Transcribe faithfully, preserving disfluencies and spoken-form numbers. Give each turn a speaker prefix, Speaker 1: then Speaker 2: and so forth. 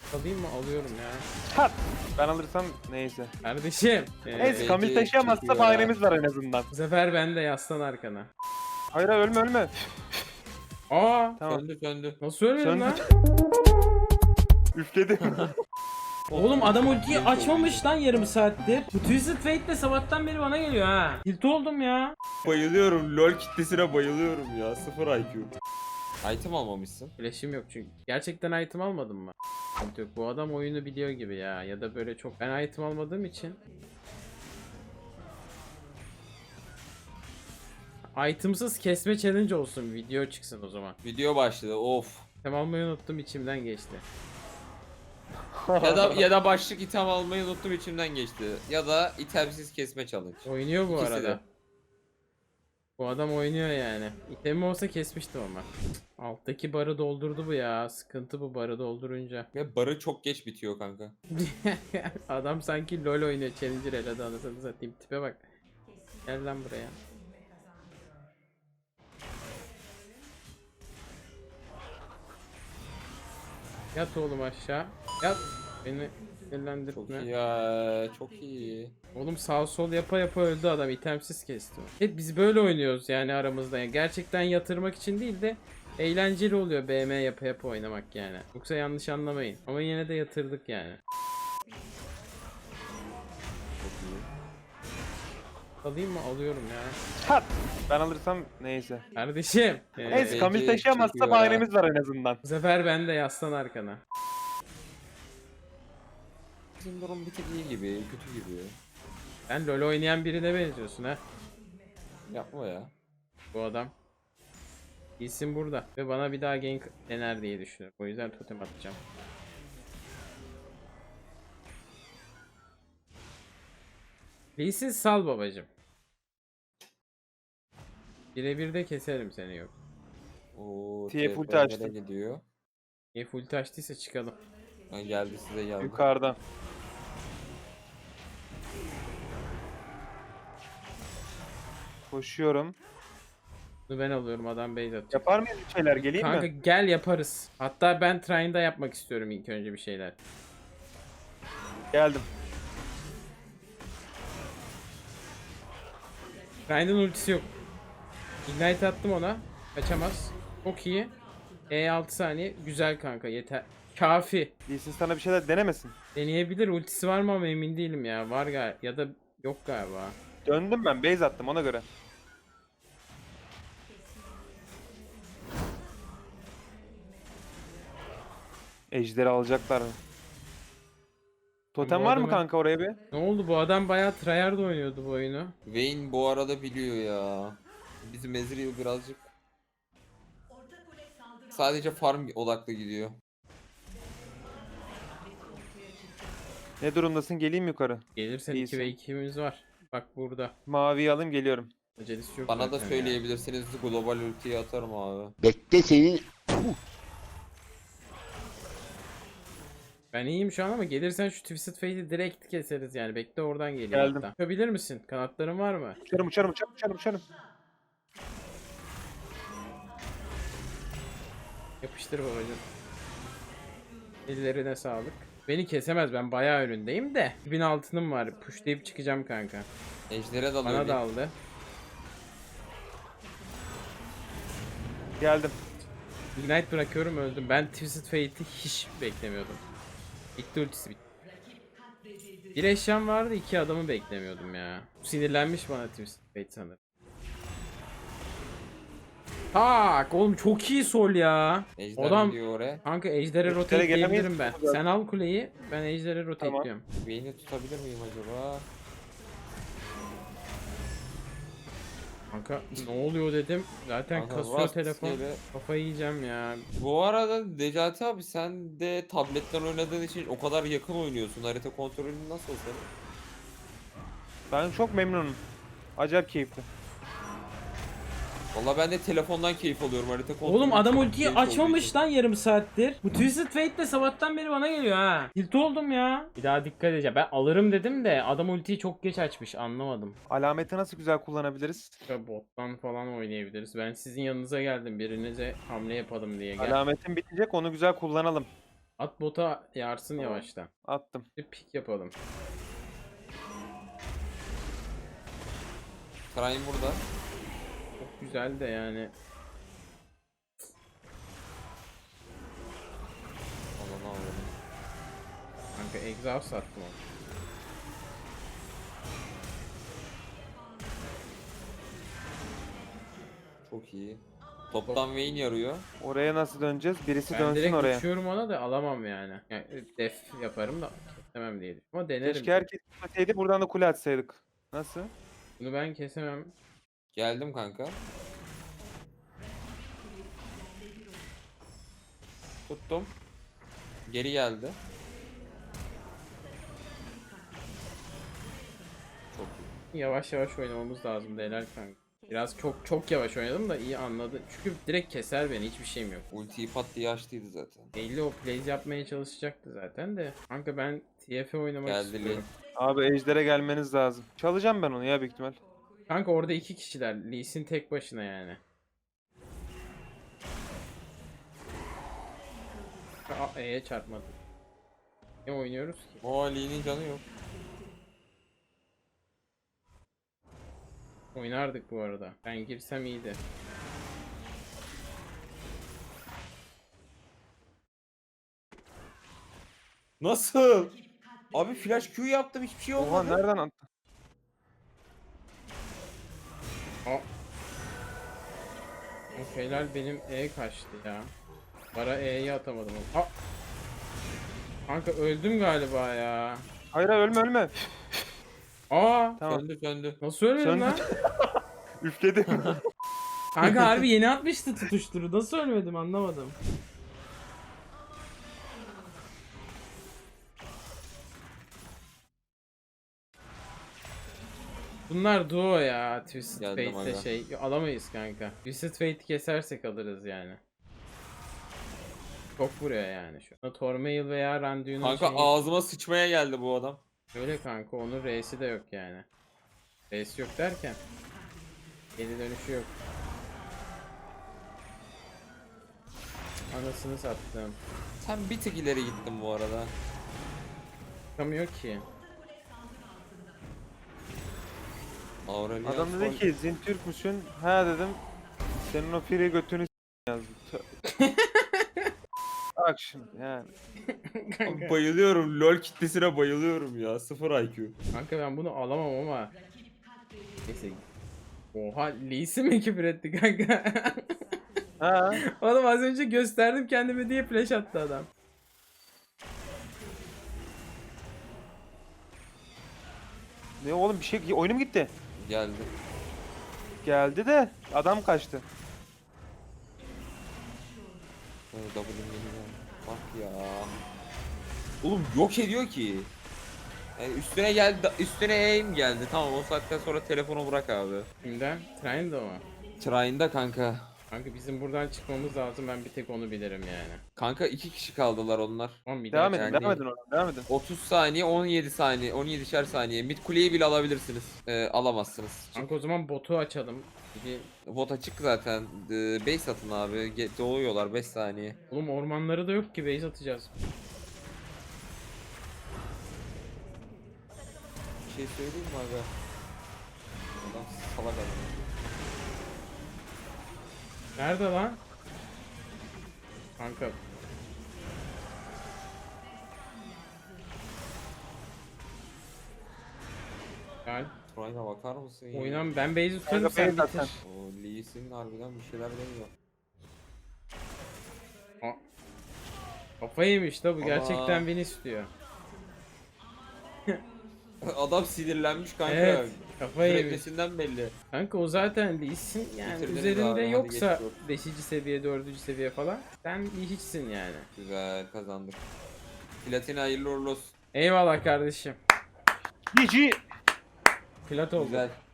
Speaker 1: Alayım mı? Alıyorum ya.
Speaker 2: Kat. Ben alırsam neyse.
Speaker 1: Kardeşim.
Speaker 2: Neyse
Speaker 1: Ee,
Speaker 2: Kamil taşıyamazsa
Speaker 3: çekiyor
Speaker 2: bahanemiz var en azından.
Speaker 1: bu sefer ben de yaslan arkana.
Speaker 2: Hayır hayır, ölme ölme.
Speaker 1: Aa.
Speaker 2: Tamam.
Speaker 3: Söndü söndü.
Speaker 1: Nasıl ölmedin
Speaker 2: Söndü.
Speaker 1: lan?
Speaker 2: Üfledim.
Speaker 1: Oğlum adam ultiyi açmamış lan yarım saattir. Bu Twisted Fate de sabahtan beri bana geliyor ha. Tilt oldum ya.
Speaker 3: Bayılıyorum. LoL kitlesine bayılıyorum ya. Sıfır I Q. Item almamışsın.
Speaker 1: Flash'im yok çünkü. Gerçekten item almadım mı? Sıkıntı yok. Bu adam oyunu biliyor gibi ya. Ya da böyle çok. Ben item almadığım için. Itemsız kesme challenge olsun. Video çıksın o zaman.
Speaker 3: Video başladı. Of.
Speaker 1: Item almayı unuttum, içimden geçti.
Speaker 3: Ya da ya da başlık item almayı unuttum, içimden geçti. Ya da itemsiz kesme challenge.
Speaker 1: Oynuyor bu
Speaker 3: İkisi
Speaker 1: arada.
Speaker 3: de.
Speaker 1: Bu adam oynuyor yani. İtemim olsa kesmiştim ama. Alttaki barı doldurdu bu ya. Sıkıntı bu barı doldurunca.
Speaker 3: Ve barı çok geç bitiyor kanka.
Speaker 1: Adam sanki LoL oynuyor. Challenger elada anasını satayım. Tipe bak. Gel lan buraya. Yat oğlum aşağı. Yat. Beni
Speaker 3: Çok
Speaker 1: sinirlendirme.
Speaker 3: iyi ya. Çok iyi.
Speaker 1: Oğlum sağ sol yapa yapa öldü adam. İtemsiz kesti. Hep biz böyle oynuyoruz yani aramızda. Yani gerçekten yatırmak için değil de eğlenceli oluyor B M yapa yapa oynamak yani. Yoksa yanlış anlamayın. Ama yine de yatırdık yani.
Speaker 3: Çok iyi.
Speaker 1: Alayım mı? Alıyorum ya.
Speaker 2: Kat. Ben alırsam neyse.
Speaker 1: Kardeşim. Ee,
Speaker 2: Neyse
Speaker 3: Belki
Speaker 2: Kamil taşıyamazsa
Speaker 3: çekiyor
Speaker 2: bahanemiz var en azından.
Speaker 1: bu sefer ben de yaslan arkana.
Speaker 3: Bizim durum bir tık iyi gibi, kötü gibi.
Speaker 1: Sen LoL oynayan birine benziyorsun ha.
Speaker 3: Yapma ya.
Speaker 1: Bu adam. İyisin burada. Ve bana bir daha gank dener diye düşünüyorum. O yüzden totem atacağım. Lee Sin sal babacım. Birebir de keserim seni yok.
Speaker 3: Oo,
Speaker 2: T F
Speaker 3: T
Speaker 2: ulti
Speaker 3: F
Speaker 2: açtı.
Speaker 3: nereye gidiyor?
Speaker 1: E full açtıysa çıkalım.
Speaker 3: Ha, geldi size geldi.
Speaker 2: Yukarıdan. Koşuyorum.
Speaker 1: Bunu ben alıyorum, adam base atacak.
Speaker 2: Yapar mıyız bir şeyler, geleyim
Speaker 1: Kanka
Speaker 2: mi?
Speaker 1: gel yaparız. Hatta ben Trine'da yapmak istiyorum ilk önce bir şeyler.
Speaker 2: Geldim.
Speaker 1: Trine'ın ultisi yok. Ignite attım ona. Kaçamaz. Çok iyi. E altı saniye. Güzel kanka, yeter. Kafi.
Speaker 2: Lee Sin sana bir şeyler denemesin.
Speaker 1: Deneyebilir. Ultisi var mı ama emin değilim ya. Var galiba. Ya da yok galiba.
Speaker 2: Döndüm ben, base attım ona göre. Ejderi alacaklar mı? Totem
Speaker 1: Bu
Speaker 2: var mı
Speaker 1: adamı-
Speaker 2: kanka oraya bir?
Speaker 1: Ne oldu, bu adam bayağı tryhard oynuyordu bu oyunu.
Speaker 3: Vayne bu arada biliyor ya. Bizim Ezreal birazcık sadece farm odaklı gidiyor.
Speaker 2: Ne durumdasın, geleyim yukarı.
Speaker 1: Gelirsen
Speaker 2: İyisin.
Speaker 1: iki ve ikimiz var. Bak burada.
Speaker 2: Maviyi alayım, geliyorum.
Speaker 1: Acelesi yok
Speaker 3: Bana da
Speaker 1: zaten ya.
Speaker 3: söyleyebilirsiniz, global ultiyi atarım abi.
Speaker 4: Bekle senin
Speaker 1: Ben iyiyim şu an ama gelirsen şu Twisted Fate'i direkt keseriz yani. Bekle, oradan geleyim
Speaker 2: Geldim.
Speaker 1: hatta. Yapabilir misin? Kanatların var mı?
Speaker 2: Uçarım uçarım uçarım uçarım uçarım.
Speaker 1: Yapıştır babacım. Ellerine sağlık. Beni kesemez, ben bayağı önündeyim de. bin altınım var. Pushlayıp çıkacağım kanka.
Speaker 3: Ejder'e dalıyor.
Speaker 1: Bana
Speaker 3: bir.
Speaker 1: da aldı.
Speaker 2: Geldim.
Speaker 1: Ignite bırakıyorum, öldüm. Ben Twisted Fate'i hiç beklemiyordum. Bitti, ultisi bitti. Bir eşyam vardı, iki adamı beklemiyordum ya. Sinirlenmiş bana Twisted Fate sanırım. Tak oğlum, çok iyi sol ya.
Speaker 3: Ejder
Speaker 1: Adam
Speaker 3: gidiyor oraya.
Speaker 1: kanka ejdere
Speaker 2: Ejder'e
Speaker 1: rotate
Speaker 2: gelemeyiz
Speaker 1: diyebilirim ben.
Speaker 2: mi zaten?
Speaker 1: Sen al kuleyi, ben ejdere rotate
Speaker 2: Tamam.
Speaker 1: diyorum.
Speaker 3: Vayne'i tutabilir miyim acaba?
Speaker 1: Kanka ne oluyor dedim. Zaten
Speaker 3: Kanka,
Speaker 1: kasıyor
Speaker 3: Rust
Speaker 1: telefon.
Speaker 3: ile-
Speaker 1: Kafayı yiyeceğim ya.
Speaker 3: Bu arada Necati abi, sen de tabletten oynadığın için o kadar yakın oynuyorsun. Harita kontrolün nasıl senin?
Speaker 2: Ben çok memnunum. Acayip keyifli.
Speaker 3: Valla ben de telefondan keyif alıyorum, harita kontrolü.
Speaker 1: Oğlum adam
Speaker 3: çok
Speaker 1: ultiyi
Speaker 3: keyif olduğu
Speaker 1: açmamış
Speaker 3: için.
Speaker 1: lan yarım saattir. Bu Twisted Fate de sabahtan beri bana geliyor ha. Tilt oldum ya. Bir daha dikkat edeceğim. Ben alırım dedim de adam ultiyi çok geç açmış, anlamadım.
Speaker 2: Alameti nasıl güzel kullanabiliriz?
Speaker 1: Ya bottan falan oynayabiliriz. Ben sizin yanınıza geldim. Birinize hamle yapalım diye gel.
Speaker 2: Alametin bitecek, onu güzel kullanalım.
Speaker 1: At bota yarsın yavaştan.
Speaker 2: Attım.
Speaker 1: Bir pik yapalım.
Speaker 3: Trine burada.
Speaker 1: Çok güzel de yani.
Speaker 3: Allah'ını aldım.
Speaker 1: Kanka exhaust attım onu.
Speaker 3: Çok iyi. Toptan Vayne yarıyor.
Speaker 2: Oraya nasıl döneceğiz? Birisi
Speaker 1: Ben
Speaker 2: dönsün
Speaker 1: direkt
Speaker 2: oraya.
Speaker 1: uçuyorum ona da alamam yani. Yani def yaparım da kesemem diye. Ama denerim.
Speaker 2: Keşke herkes gitmeseydi buradan da kule atsaydık. Nasıl?
Speaker 1: Bunu ben kesemem.
Speaker 3: Geldim kanka. Tuttum. Geri geldi. Çok iyi.
Speaker 1: Yavaş yavaş oynamamız lazım değerler kanka. Biraz çok çok yavaş oynadım da iyi anladı. Çünkü direkt keser beni, hiçbir şeyim yok.
Speaker 3: Ultiyi pat diye açtıydı zaten.
Speaker 1: elli o plays yapmaya çalışacaktı zaten de. Kanka ben T F oynamak
Speaker 3: Geldi
Speaker 1: istiyorum.
Speaker 2: Abi Ejder'e gelmeniz lazım. Çalacağım ben onu ya büyük ihtimal.
Speaker 1: Kanka orada iki kişiler. Lee Sin tek başına yani. Aa, E'ye çarpmadı. Ne oynuyoruz ki?
Speaker 3: O Ali'nin canı yok.
Speaker 1: Oynardık bu arada. Ben girsem iyiydi.
Speaker 3: Nasıl? Abi flash Q yaptım, hiçbir şey
Speaker 2: Oha
Speaker 3: olmadı.
Speaker 2: nereden attı?
Speaker 1: Aa. O şeyler benim E kaçtı ya. Bara E'yi atamadım. Aa. Kanka öldüm galiba ya.
Speaker 2: Hayır hayır, ölme ölme.
Speaker 1: Aa.
Speaker 2: Tamam.
Speaker 3: Söndü söndü.
Speaker 1: Nasıl ölmedim
Speaker 2: Söndü.
Speaker 1: lan?
Speaker 2: Üfledim.
Speaker 1: Kanka harbi yeni atmıştı tutuşturu. Nasıl ölmedim anlamadım. Bunlar duo ya. Twisted
Speaker 3: Geldim
Speaker 1: Fate'le
Speaker 3: aga.
Speaker 1: şey alamayız kanka. Twisted Fate'i kesersek alırız yani. Çok vuruyor yani şu an. Tormail veya Randuin'in
Speaker 3: Kanka
Speaker 1: şeyi...
Speaker 3: ağzıma sıçmaya geldi bu adam.
Speaker 1: Öyle kanka, onun R'si de yok yani. R'si yok derken geri dönüşü yok. Anasını sattım.
Speaker 3: Sen bir tık ileri gittin bu arada.
Speaker 1: Çıkamıyor ki.
Speaker 3: Aurelion
Speaker 2: Adam dedi
Speaker 3: Sol-
Speaker 2: ki Zin Türk müsün? Ha dedim. Senin o piri götünü s- yazdı. Tö- Bak şimdi yani.
Speaker 3: Abi bayılıyorum. LoL kitlesine bayılıyorum ya. Sıfır I Q.
Speaker 1: Kanka ben bunu alamam ama. Neyse. Oha, Lee'si mi küfür etti kanka?
Speaker 2: Ha.
Speaker 1: Oğlum az önce gösterdim kendimi diye flash attı adam.
Speaker 2: Ne oğlum bir şey oyunum gitti.
Speaker 3: Geldi.
Speaker 2: Geldi de adam kaçtı.
Speaker 3: Ee, W'm geliyor. Bak ya. Oğlum yok ediyor ki. Yani üstüne geldi, üstüne aim geldi. Tamam, o saatten sonra telefonu bırak abi.
Speaker 1: Kimden? Trine'da mı?
Speaker 3: Trine'da kanka.
Speaker 1: Kanka bizim buradan çıkmamız lazım, ben bir tek onu bilirim yani.
Speaker 3: Kanka iki kişi kaldılar onlar.
Speaker 1: Tamam bir
Speaker 2: Devam
Speaker 1: daha
Speaker 2: edin,
Speaker 3: yani
Speaker 2: devam
Speaker 3: değil.
Speaker 2: edin oradan, devam edin.
Speaker 3: otuz saniye, on yedi saniye, on yedişer saniye. Mid kuleyi bile alabilirsiniz. Ee, alamazsınız.
Speaker 1: Kanka o zaman botu açalım. Bir...
Speaker 3: Bot açık zaten. Ee, base atın abi. Ge- Doğuyorlar beş saniye.
Speaker 1: Oğlum ormanları da yok ki, base atacağız.
Speaker 3: Bir şey söyleyeyim mi aga? Adam salak adam.
Speaker 1: Nerede lan? Kanka. Gel.
Speaker 3: Trine'a bakar mısın ya?
Speaker 1: Oynan, ben base'i tutarım,
Speaker 2: Kanka
Speaker 1: sen
Speaker 2: base at
Speaker 1: bitir.
Speaker 3: O Lee Sin harbiden bir şeyler deniyor.
Speaker 1: Aa. Kafayı yemiş da bu,
Speaker 3: Ama-
Speaker 1: gerçekten beni istiyor.
Speaker 3: Adam sinirlenmiş kanka.
Speaker 1: Evet, kafayı yemiş.
Speaker 3: Süreklesinden belli.
Speaker 1: Kanka o zaten Lee'sin yani,
Speaker 3: Bitirdiniz
Speaker 1: üzerinde
Speaker 3: abi, hadi
Speaker 1: yoksa
Speaker 3: geçiyorum.
Speaker 1: beşinci seviye, dördüncü seviye falan sen hiçsin yani.
Speaker 3: Güzel kazandık. Platina hayırlı uğurlu olsun.
Speaker 1: Eyvallah kardeşim.
Speaker 2: G G.
Speaker 1: Plat oldu.
Speaker 3: Güzel.